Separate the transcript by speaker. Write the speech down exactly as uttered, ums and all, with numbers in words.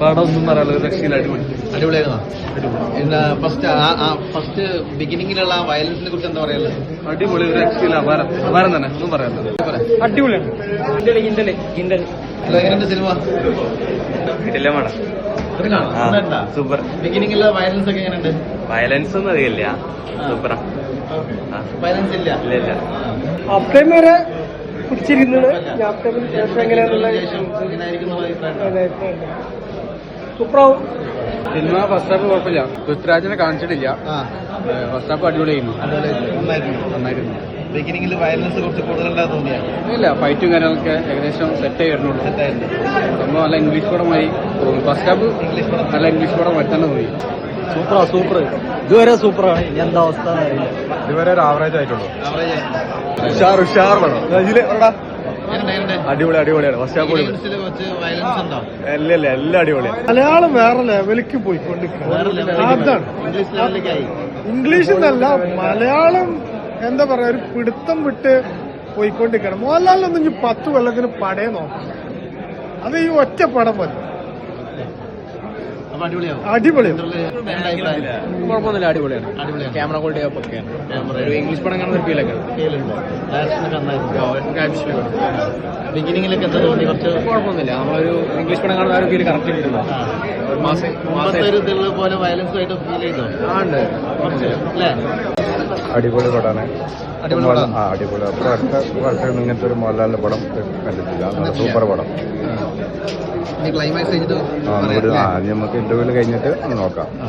Speaker 1: പടം ഒന്നും പറയാനുള്ള ഒരു രക്ഷയില്ല, അടിപൊളി
Speaker 2: അടിപൊളിയായിരുന്നോ? എന്താ ഫസ്റ്റ് ഫസ്റ്റ് ബിഗിനിങ്ങിലുള്ള ആ വയലൻസിനെ കുറിച്ച് എന്താ പറയാനുള്ളത്?
Speaker 1: അടിപൊളി, ഒരു രക്ഷയില്ല, അപാരം അപാരം തന്നെ, ഒന്നും പറയാനില്ല.
Speaker 3: അടിപൊളിയാണ്.
Speaker 2: എങ്ങനെയുണ്ട് സിനിമ?
Speaker 1: സൂപ്പർ.
Speaker 2: ബിഗിനിങ്ങിലുള്ള വയലൻസ് ഒക്കെ എങ്ങനെയുണ്ട്?
Speaker 1: വയലൻസ് ഒന്നും അറിയില്ല, സൂപ്പറാ.
Speaker 2: വയലൻസ് ഇല്ല.
Speaker 1: ഇല്ല ഇല്ല.
Speaker 3: അപ്പേം വരെ പിടിച്ചിരിക്കുന്നത് എങ്ങനെയാന്നുള്ള സൂപ്പറാവും.
Speaker 1: സിനിമ ഫസ്റ്റ് ഹാഫ് കുഴപ്പമില്ല, പൃഥ്വിരാജിനെ കാണിച്ചിട്ടില്ല. ഫസ്റ്റ് ഹാഫ് അടിപൊളിയായിരുന്നു, നന്നായിരുന്നു.
Speaker 2: ബിഗിനിങ്ങിൽ വയലൻസ് കുറച്ച് കൂടുതലുണ്ടാകുന്ന തോന്നിയാണ്.
Speaker 1: ഇല്ല, ഫൈറ്റും കാര്യങ്ങളൊക്കെ ഏകദേശം സെറ്റ് ആയി വരുന്നുള്ളൂ. സംഭവം നല്ല ഇംഗ്ലീഷ് പടമായി തോന്നി. ഫസ്റ്റ് ഹാഫ്
Speaker 2: ഇംഗ്ലീഷ് പടം
Speaker 1: നല്ല ഇംഗ്ലീഷ് പടം വരുത്താൻ തോന്നി.
Speaker 3: സൂപ്പറാ സൂപ്പർ ഇതുവരെ സൂപ്പറാണ്. ഇനി എന്താ അവസ്ഥ?
Speaker 1: ഇതുവരെ ഒരു ആവറേജ് ആയിട്ടുള്ളൂ.
Speaker 2: ആവറേജ്
Speaker 1: ഉഷാർ ഉഷാർ പടം. അടിപൊളി അടിപൊളിയാണ്. ഫസ്റ്റ് ഹാഫ്
Speaker 2: കുറച്ച് വയലൻസ് ഉണ്ടോ?
Speaker 1: ഇല്ല ഇല്ല, എല്ലാം അടിപൊളിയാണ്.
Speaker 3: മലയാളം വേറെ ലെവലിലേക്ക് പോയിക്കൊണ്ടിരിക്കുന്നത് അതാണ്.
Speaker 2: ഇംഗ്ലീഷ് ലെവലിലേക്കായി.
Speaker 3: ഇംഗ്ലീഷ് എന്നല്ല, മലയാളം എന്താ പറയാ, ഒരു പിടുത്തം വിട്ട് പോയിക്കൊണ്ടിരിക്കണം. മോഹൻലാലിനൊന്നും ഇനി പത്ത് കൊല്ലത്തിന് പടയെ നോക്കാം, അത് ഈ ഒറ്റ പടം മതി.
Speaker 2: അപ്പൊ അടിപൊളിയാവും.
Speaker 3: അടിപൊളി.
Speaker 1: കുഴപ്പമൊന്നുമില്ല, അടിപൊളിയാണ്.
Speaker 2: അടിപൊളിയാണ്.
Speaker 1: ക്യാമറ ക്വാളിറ്റി ഒക്കെയാണ്. ഒരു ഇംഗ്ലീഷ് പടം കാണുന്ന ഒരു ഫീലൊക്കെ.
Speaker 2: ബിഗിനിങ്ങിലൊക്കെ എന്താ തോന്നി? കുറച്ച്
Speaker 1: കുഴപ്പമൊന്നുമില്ല, നമ്മളൊരു ഇംഗ്ലീഷ് പടം കാണുന്ന ആ ഒരു ഫീൽ കറക്റ്റ് കിട്ടുന്നു.
Speaker 2: മുമ്പത്തെ ഒരു ഇതിലുള്ള പോലെ വയലൻസ് ആയിട്ട് ഫീൽ ചെയ്തോ?
Speaker 1: ഉണ്ട്
Speaker 2: അല്ലേ?
Speaker 4: അടിപൊളി പടമാണ്.
Speaker 2: അടിപൊളി പടം.
Speaker 4: ആ അടിപൊളി. അപ്പൊ അടുത്ത വർഷം ഇങ്ങനത്തെ ഒരു മോഹൻലാലിന്റെ പടം കണ്ടിട്ടില്ല. സൂപ്പർ പടം.
Speaker 2: ക്ലൈമാക്സ് കഴിഞ്ഞിട്ട്
Speaker 4: ആ നമുക്ക് ഇന്റർവ്യൂല് കഴിഞ്ഞിട്ട് നോക്കാം.